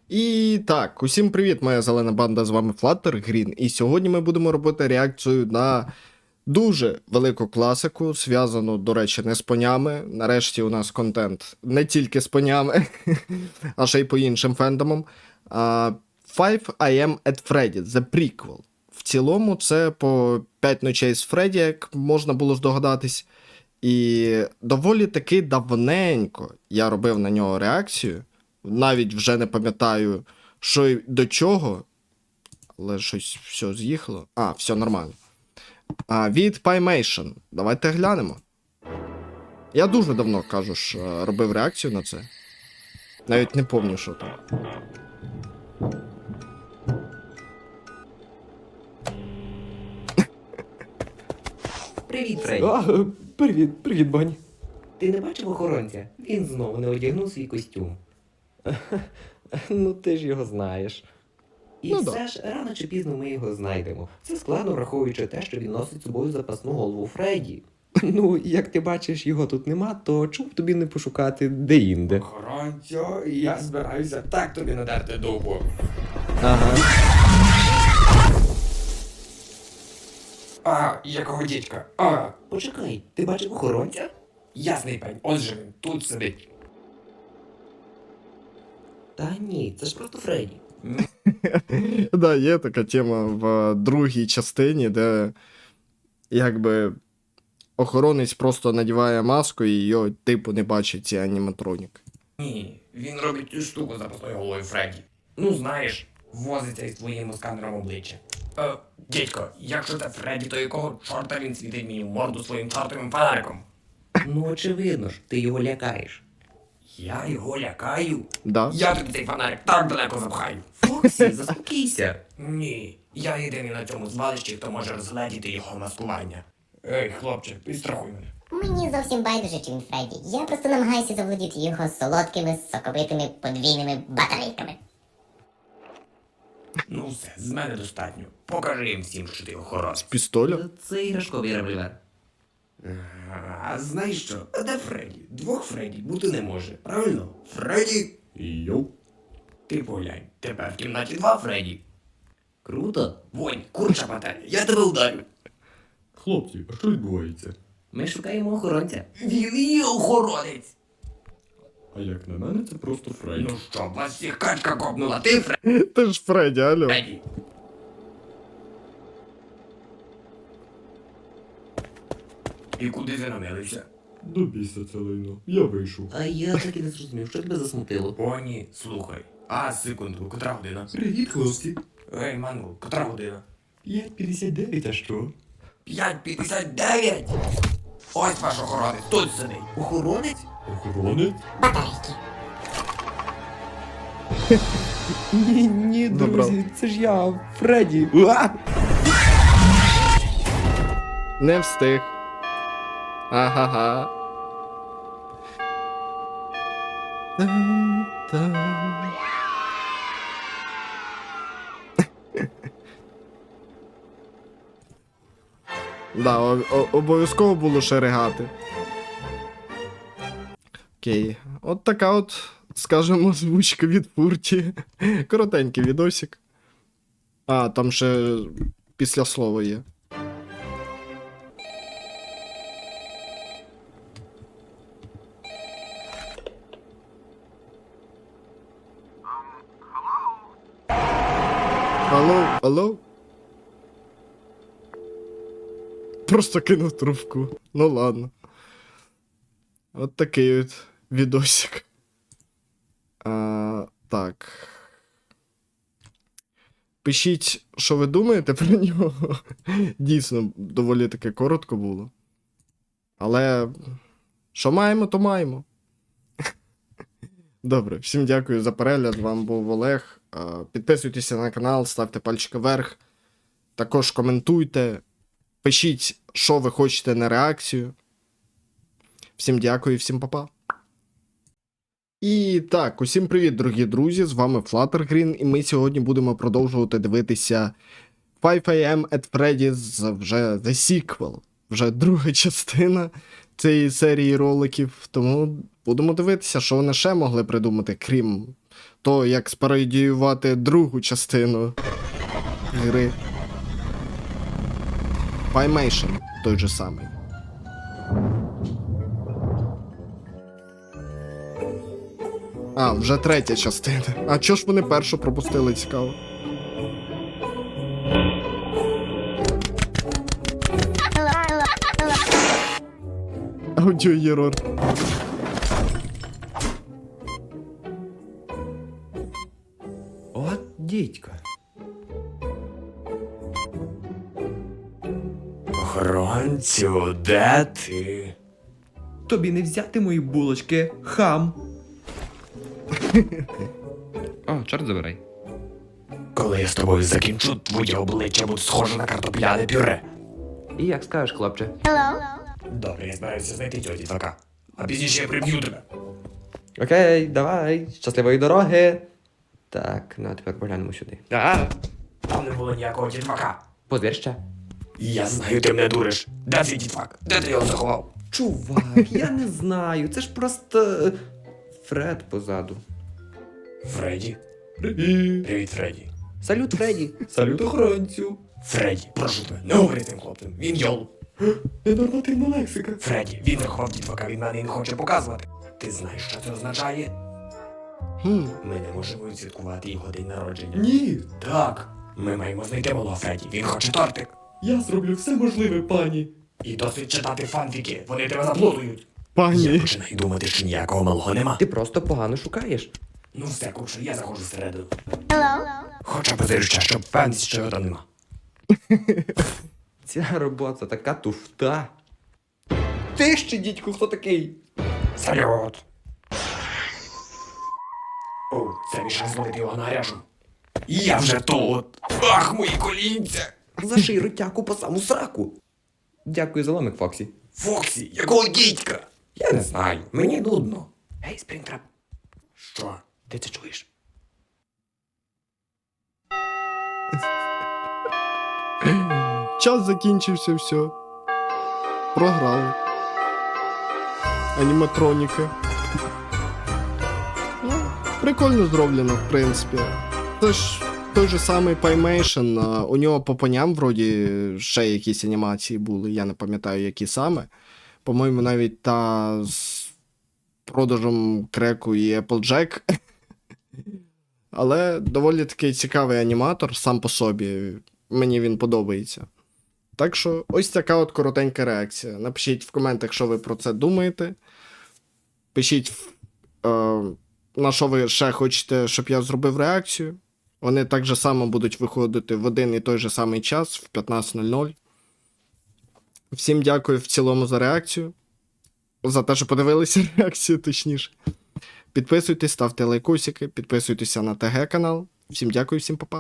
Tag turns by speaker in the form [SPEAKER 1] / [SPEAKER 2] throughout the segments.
[SPEAKER 1] І так, усім привіт, моя зелена банда, з вами Flutter Green, і сьогодні ми будемо робити реакцію на дуже велику класику, зв'язану, до речі, не з понями. Нарешті у нас контент не тільки з понями, а ще й по іншим фендомам. Five I Am at Freddy, The Prequel. В цілому це по 5 ночей з Фредді, як можна було здогадатись. І доволі таки давненько я робив на нього реакцію. Навіть вже не пам'ятаю, що й до чого. Але щось все з'їхало. Все нормально. Від Pymation. Давайте глянемо. Я дуже давно, кажу ж, робив реакцію на це. Навіть не пам'ятаю, що там.
[SPEAKER 2] Привіт, Фредді.
[SPEAKER 3] Привіт, Бань.
[SPEAKER 2] Ти не бачив охоронця? Він знову не одягнув свій костюм.
[SPEAKER 3] Ну ти ж його знаєш.
[SPEAKER 2] І
[SPEAKER 1] Ну,
[SPEAKER 2] все ж рано чи пізно ми його знайдемо. Це складно, враховуючи те, що він носить з собою запасну голову Фредді.
[SPEAKER 3] Ну, як ти бачиш, його тут нема, то чому б тобі не пошукати де-інде?
[SPEAKER 4] Охоронцю, я збираюся так тобі надерти дупу.
[SPEAKER 3] Ага.
[SPEAKER 4] Якого дідька?
[SPEAKER 2] Почекай, ти бачив охоронця?
[SPEAKER 4] Ясний пень, ось же він, тут сидить.
[SPEAKER 2] Та ні, це ж просто Фредді.
[SPEAKER 1] Да, є така тема в другій частині, де якби охоронець просто надіває маску і його типу не бачить ці аніматроніки.
[SPEAKER 4] Ні, він робить цю штуку з запасною головою Фредді. Ну знаєш, возиться із твоїм сканером обличчя. Дідько, якщо це Фредді, то якого чорта він світить мені в морду своїм чортовим фонариком?
[SPEAKER 2] Ну, очевидно ж, ти його лякаєш.
[SPEAKER 4] Я його лякаю?
[SPEAKER 1] Да?
[SPEAKER 4] Я тобі цей фонарик так далеко запхаю.
[SPEAKER 2] Фоксі, заспокійся.
[SPEAKER 4] Ні, я єдиний на цьому звалищі, хто може розгледіти його маскування. Ей, хлопче, підстрахуй мене.
[SPEAKER 5] Мені зовсім байдуже, чи він Фредді. Я просто намагаюся заволодіти його солодкими, соковитими, подвійними батарейками.
[SPEAKER 4] Ну все, з мене достатньо. Покажи їм всім, що ти охоронець.
[SPEAKER 1] Пістоля?
[SPEAKER 2] Це іграшковий револьвер.
[SPEAKER 4] А знаєш що? А де Фредді? Двох Фредді бути не може, правильно? Фредді?
[SPEAKER 3] Йоу.
[SPEAKER 4] Ти поглянь, тепер в кімнаті два Фредді.
[SPEAKER 2] Круто.
[SPEAKER 4] Вонь, курча пательня, я тебе ударю.
[SPEAKER 3] Хлопці, а що відбувається?
[SPEAKER 2] Ми шукаємо охоронця.
[SPEAKER 4] Він є охоронець.
[SPEAKER 3] А як на мене, це просто Фредді.
[SPEAKER 4] Ну що, вас всіх качка копнула, ти Фредді?
[SPEAKER 1] Ти ж Фредді, алло.
[SPEAKER 4] І куди ти намилився?
[SPEAKER 3] До біса це лайно. Я вийшов.
[SPEAKER 2] А я так і не зрозумів, що тебе засмутило.
[SPEAKER 4] О, ні, слухай. Секунду, котра година?
[SPEAKER 3] Привіт, хлопці.
[SPEAKER 4] Ей, Мангл, котра година?
[SPEAKER 3] 5:59, а що?
[SPEAKER 4] 5:59! Ось ваш охоронець, тут сидить.
[SPEAKER 2] Охоронець?
[SPEAKER 3] Охоронець?
[SPEAKER 5] Батарейки.
[SPEAKER 3] Ні,
[SPEAKER 1] Добре.
[SPEAKER 3] друзі, це ж я, Фредді.
[SPEAKER 1] Не встиг. Ага-га. Та-та. Да, обов'язково було ще ригати. Окей. От така от, скажемо, озвучка від Фурті. Коротенький відосик. Там ще після слова є. Алло, алло? Просто кинув трубку. Ну ладно. От такий от відосик. Так. Пишіть, що ви думаєте про нього. Дійсно, доволі таки коротко було. Але що маємо, то маємо. Добре, всім дякую за перегляд. З вами був Олег. Підписуйтеся на канал, ставте пальчики вверх. Також коментуйте. Пишіть, що ви хочете на реакцію. Всім дякую і всім па-па. І так, усім привіт, дорогі друзі, з вами Flutter Green, і ми сьогодні будемо продовжувати дивитися 5 AM at Freddy's, вже The Sequel, вже друга частина цієї серії роликів, тому будемо дивитися, що вони ще могли придумати, крім то, як спародіювати другу частину гри. Paymation той же самий. А, вже третя частина. А чого ж вони першу пропустили, цікаво? Аудіоєрор.
[SPEAKER 3] От дідько.
[SPEAKER 4] Охоронцю, де ти?
[SPEAKER 3] Тобі не взяти мої булочки, хам. О, чорт забирай.
[SPEAKER 4] Коли я з тобою закінчу, твоє обличчя буде схоже на картопляне пюре.
[SPEAKER 3] І як скажеш, хлопче?
[SPEAKER 4] Добре, я збираюся знайти цього дітвака. А пізніше я приб'ю тебе.
[SPEAKER 3] Окей, давай, щасливої дороги. Так, ну а тепер поглянемо сюди.
[SPEAKER 4] Там не було ніякого дітвака.
[SPEAKER 3] Подвір ще.
[SPEAKER 4] Я знаю, ти мене дуриш. Де цей дітвак? Де ти його заховав?
[SPEAKER 3] Чувак, я не знаю, це ж просто Фред позаду.
[SPEAKER 4] Фредді? Привіт, Фредді.
[SPEAKER 3] Салют, Фредді. Салют, охоронцю.
[SPEAKER 4] Фредді, прошу тебе, не говори з тим хлопцем. Він йол.
[SPEAKER 3] Ненормативна лексика.
[SPEAKER 4] Фредді, він заховав дітвака, він мене не хоче показувати. Ти знаєш, що це означає? Ми не можемо відсвяткувати його день народження.
[SPEAKER 3] Ні,
[SPEAKER 4] Так. Ми маємо знайти малого Фредді. Він хоче тортик.
[SPEAKER 3] я зроблю все можливе, пані.
[SPEAKER 4] І досить читати фанфіки. Вони тебе заплутують. Я
[SPEAKER 1] Пані.
[SPEAKER 4] починаю думати, що ніякого малого нема.
[SPEAKER 3] Ти просто погано шукаєш.
[SPEAKER 4] Ну все, кучу, я заходжу всередину. Хоча б ще, щоб впевнитися, що його там нема.
[SPEAKER 3] Ця робота така туфта. Ти ще, дідьку, хто такий?
[SPEAKER 4] Салют! О, це мій шанс зловити його на гарячу. Я вже тут! Ах, мої колінця!
[SPEAKER 3] Заший ротяку по саму сраку. Дякую за ломик, Фоксі.
[SPEAKER 4] Фоксі, якого дідька? Я не знаю, мені нудно. Гей, Спрінтрап. Що? Ти це чуєш?
[SPEAKER 1] Час закінчився, все. Програли. Аніматроніки. Ну, прикольно зроблено, в принципі. Це ж той же самий Paymation, у нього по поням вроді ще якісь анімації були, я не пам'ятаю, які саме. По-моєму, навіть та з продажем креку і Applejack. Але доволі такий цікавий аніматор сам по собі. Мені він подобається. Так що ось така от коротенька реакція. Напишіть в коментах, що ви про це думаєте. Пишіть, на що ви ще хочете, щоб я зробив реакцію. Вони так же само будуть виходити в один і той же самий час, в 15:00. Всім дякую в цілому за реакцію. За те, що подивилися реакцію, точніше. Підписуйтесь, ставте лайкосики, підписуйтеся на ТГ-канал. Всім дякую, всім па-па.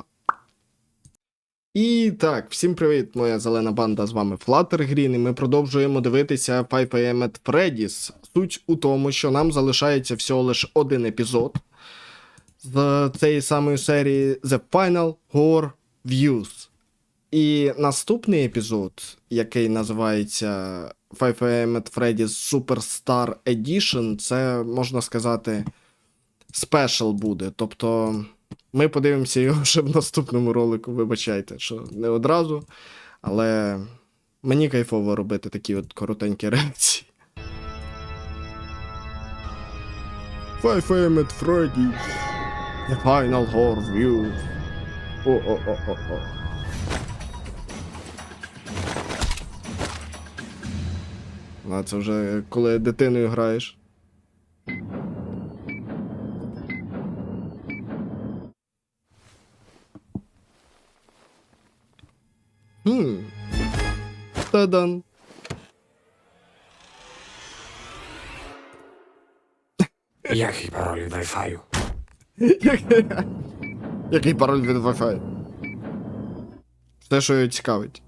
[SPEAKER 1] І так, всім привіт, моя зелена банда, з вами Fluttergreen, і ми продовжуємо дивитися 5 AM at Freddy's. Суть у тому, що нам залишається всього лише один епізод з цієї самої серії The Final Horror Views. І наступний епізод, який називається 5 AM at Freddy's Superstar Edition, це, можна сказати, спешл буде. Тобто ми подивимося його вже в наступному ролику, вибачайте, що не одразу, але мені кайфово робити такі от коротенькі реакції. 5 AM at Freddy's The Final Horror Views. О-о-о-о-о. А це вже коли дитиною граєш. Та-дан.
[SPEAKER 4] Який пароль від Wi-Fi?
[SPEAKER 1] Який пароль від Wi-Fi? Те, що його цікавить.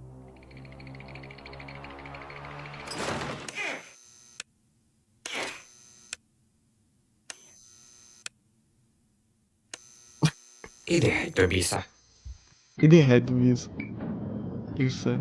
[SPEAKER 4] Іди геть до біса.
[SPEAKER 1] Іди геть віз. І все.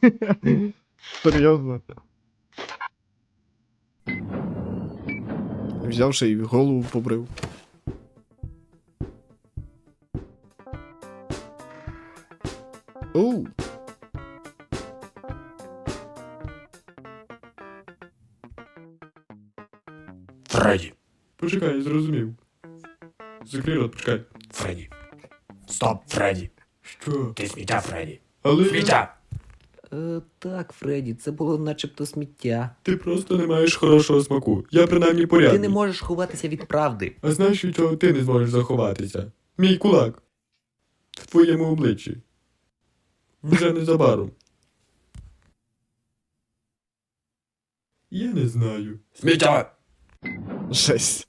[SPEAKER 1] Серйозно. Взявши і голову побрив. Оу.
[SPEAKER 4] Фредді.
[SPEAKER 3] Почекай, я зрозумів. Закрий рот, почекай.
[SPEAKER 4] Фредді. Стоп, Фредді.
[SPEAKER 3] Що?
[SPEAKER 4] Ти сміття, Фредді.
[SPEAKER 3] Але
[SPEAKER 4] Сміття.
[SPEAKER 2] Так, Фредді, це було начебто сміття.
[SPEAKER 3] ти просто не маєш хорошого смаку. Я принаймні порядний.
[SPEAKER 2] Ти не можеш ховатися від правди.
[SPEAKER 3] А знаєш, від чого ти не зможеш заховатися? Мій кулак. В твоєму обличчі. Вже незабаром. Я не знаю.
[SPEAKER 4] Сміття.
[SPEAKER 1] Жесть.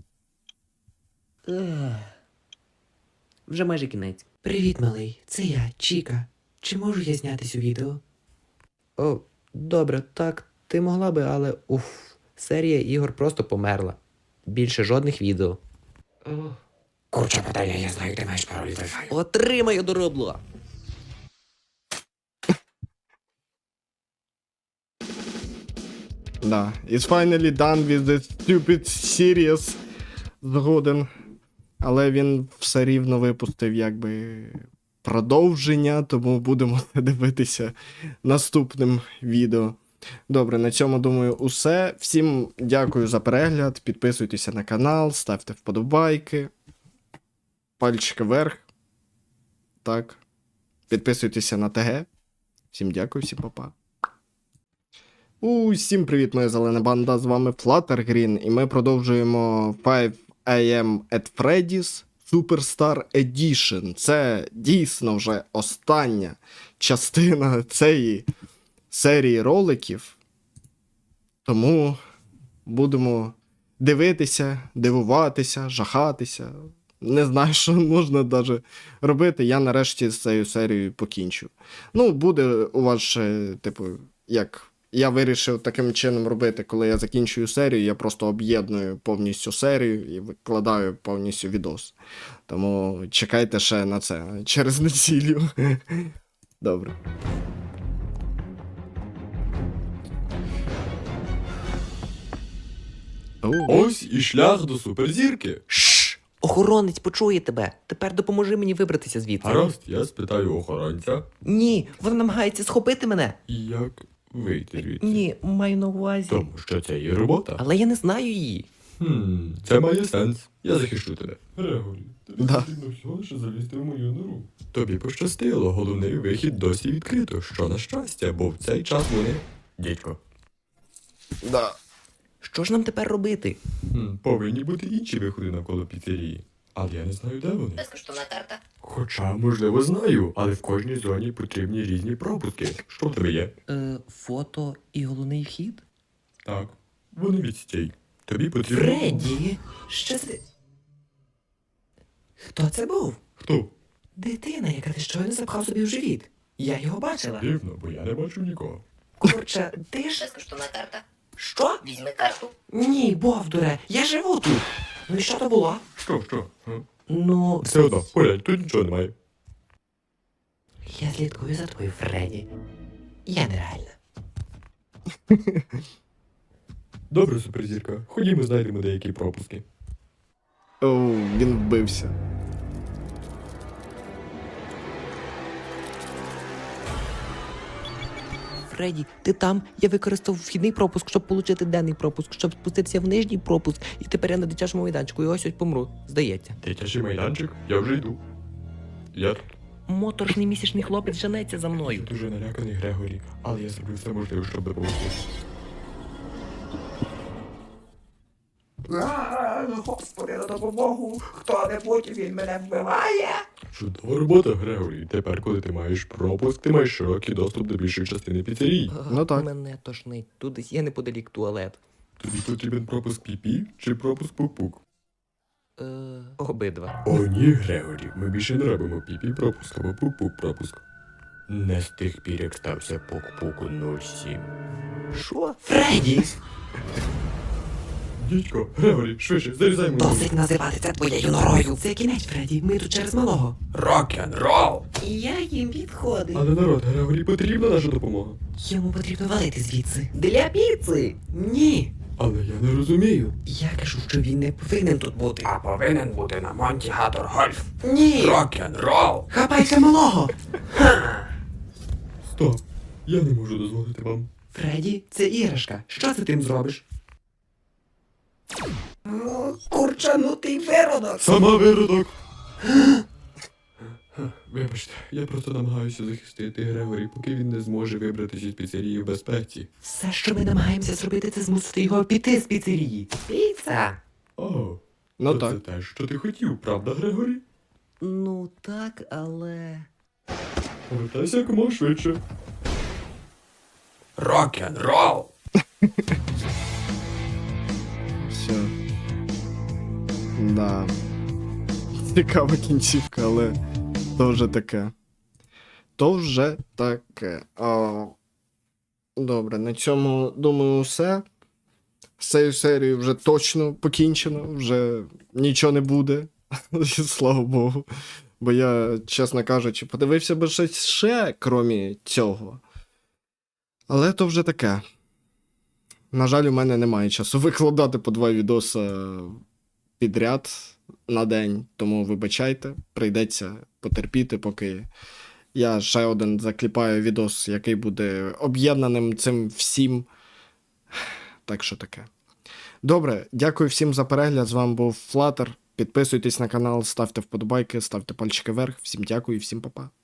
[SPEAKER 2] Вже майже кінець. Привіт, малий. Це я, Чіка. Чи можу я знятись у відео? О, добре, так, ти могла би, але серія ігор просто померла. Більше жодних відео.
[SPEAKER 4] Курча питання, я знаю, ти маєш пароль від Wi-Fi.
[SPEAKER 2] Отримаю доробло!
[SPEAKER 1] Да. It's finally done with the stupid series. Згоден. Але він все рівно випустив якби продовження, тому будемо це дивитися наступним відео. Добре, на цьому, думаю, усе. Всім дякую за перегляд. Підписуйтеся на канал, ставте вподобайки. Пальчики вверх. Так. Підписуйтеся на ТГ. Всім дякую, всім па-па. Усім привіт, моя зелена банда, з вами Fluttergreen, і ми продовжуємо 5 AM at Freddy's Superstar Edition. Це дійсно вже остання частина цієї серії роликів. Тому будемо дивитися, дивуватися, жахатися. Не знаю, що можна навіть робити. Я нарешті з цією серією покінчу. Ну, буде у вас ще, типу, як... Я вирішив таким чином робити, коли я закінчую серію, я просто об'єдную повністю серію і викладаю повністю відос. Тому чекайте ще на це через неділю. Добре.
[SPEAKER 3] Ось і шлях до суперзірки.
[SPEAKER 2] Шш! Охоронець почує тебе. Тепер допоможи мені вибратися звідси.
[SPEAKER 3] Гаразд, я спитаю охоронця.
[SPEAKER 2] Ні, вона намагається схопити мене.
[SPEAKER 3] Як вийти звідси?
[SPEAKER 2] Ні, маю на увазі.
[SPEAKER 3] Тому що це її робота.
[SPEAKER 2] Але я не знаю її.
[SPEAKER 3] Це має сенс. Я захищу тебе. Грегорі, тобі
[SPEAKER 1] Да.
[SPEAKER 3] потрібно всього лише залізти в мою нору. Тобі пощастило, головний вихід досі відкрито, що на щастя, бо в цей час вони... Дідько.
[SPEAKER 1] Да.
[SPEAKER 2] Що ж нам тепер робити?
[SPEAKER 3] Повинні бути інші виходи навколо піцерії. Але я не знаю, де вони.
[SPEAKER 5] Безкоштовна карта.
[SPEAKER 3] Хоча, можливо, знаю, але в кожній зоні потрібні різні пропуски. Що в тебе є?
[SPEAKER 2] Фото і головний вхід?
[SPEAKER 3] Так, вони відстій. Тобі потрібно...
[SPEAKER 2] Фредді! Що це? Хто це був?
[SPEAKER 3] Хто?
[SPEAKER 2] Дитина, яка ти щойно запхав собі в живіт. Я його бачила.
[SPEAKER 3] Дивно, бо я не бачу нікого.
[SPEAKER 2] Курча, ти ж...
[SPEAKER 5] Безкоштовна карта.
[SPEAKER 2] Що?
[SPEAKER 5] Візьми карту.
[SPEAKER 2] Ні, Бовдуре, я живу тут. Ну і що то було?
[SPEAKER 3] Що?
[SPEAKER 2] Ну,
[SPEAKER 3] Все одно, поглянь, тут нічого немає.
[SPEAKER 2] я слідкую за тобою, Фредді. Я нереальна.
[SPEAKER 3] Добре, суперзірка. Ходімо, знайдемо деякі пропуски.
[SPEAKER 1] Оу, він вбився.
[SPEAKER 2] Фредді, ти там? Я використав вхідний пропуск, щоб отримати денний пропуск, щоб спуститися в нижній пропуск, і тепер я на дитячому майданчику, і ось помру, здається.
[SPEAKER 3] Дитячий майданчик? Я вже йду. Я тут.
[SPEAKER 2] Моторошний місячний хлопець женеться за мною.
[SPEAKER 3] Дуже наляканий Грегорі, але я зроблю все можливе, щоб допомогти.
[SPEAKER 4] Господи, на допомогу! Хто-небудь, він мене вбиває!
[SPEAKER 3] Чудова робота, Грегорі. Тепер, коли ти маєш пропуск, ти маєш широкий доступ до більшої частини піцерії.
[SPEAKER 1] Ну так.
[SPEAKER 2] Мене тошнить. Тут десь є неподалік туалет.
[SPEAKER 3] Тобі потрібен пропуск піпі чи пропуск пук-пук?
[SPEAKER 2] Обидва.
[SPEAKER 3] О, ні, Грегорі, ми більше не робимо піпі пропуск або пук-пук пропуск. Не з тих пір, як стався пук-пуку 07.
[SPEAKER 2] Що? Фредді!
[SPEAKER 3] Дідько, Грегорі, швидше, зарізай мою.
[SPEAKER 2] Досить називати це твоєю норою. Це кінець, Фредді. Ми тут через малого.
[SPEAKER 4] Рок-н-рол!
[SPEAKER 2] Я їм підходив.
[SPEAKER 3] Але народ, Грегорі, потрібна наша допомога.
[SPEAKER 2] Йому потрібно валити звідси. Для піци? Ні.
[SPEAKER 3] Але я не розумію.
[SPEAKER 2] Я кажу, що він не повинен тут бути.
[SPEAKER 4] А повинен бути на Монті Гатор Гольф.
[SPEAKER 2] Ні.
[SPEAKER 4] Рок-н-рол!
[SPEAKER 2] Хапайте малого.
[SPEAKER 3] Стоп, я не можу дозволити вам.
[SPEAKER 2] Фредді, це іграшка. Що ти тим зробиш? Курчанутий виродок.
[SPEAKER 3] Сама виродок! Вибачте, я просто намагаюся захистити Грегорі, поки він не зможе вибратися з піцерії в безпеці.
[SPEAKER 2] Все, що ми намагаємося зробити, це змусити його піти з піцерії. Піца.
[SPEAKER 3] О,
[SPEAKER 1] Ну
[SPEAKER 3] то
[SPEAKER 1] так.
[SPEAKER 3] це те, що ти хотів, правда, Грегорі?
[SPEAKER 2] Ну так, але.
[SPEAKER 3] Повертайся якомога швидше.
[SPEAKER 4] Рок-н-рол!
[SPEAKER 1] Все. Да. Цікава кінцівка, але то вже таке. То вже таке. Добре, на цьому, думаю, все. З цією серією вже точно покінчено, вже нічого не буде. Слава Богу. Бо я, чесно кажучи, подивився би щось ще, крім цього. Але то вже таке. На жаль, у мене немає часу викладати по 2 відоси підряд на день, тому вибачайте, прийдеться потерпіти, поки я ще один закліпаю відос, який буде об'єднаним цим всім. Так що таке. Добре, дякую всім за перегляд. З вами був Flutter. Підписуйтесь на канал, ставте вподобайки, ставте пальчики вверх. Всім дякую і всім па-па.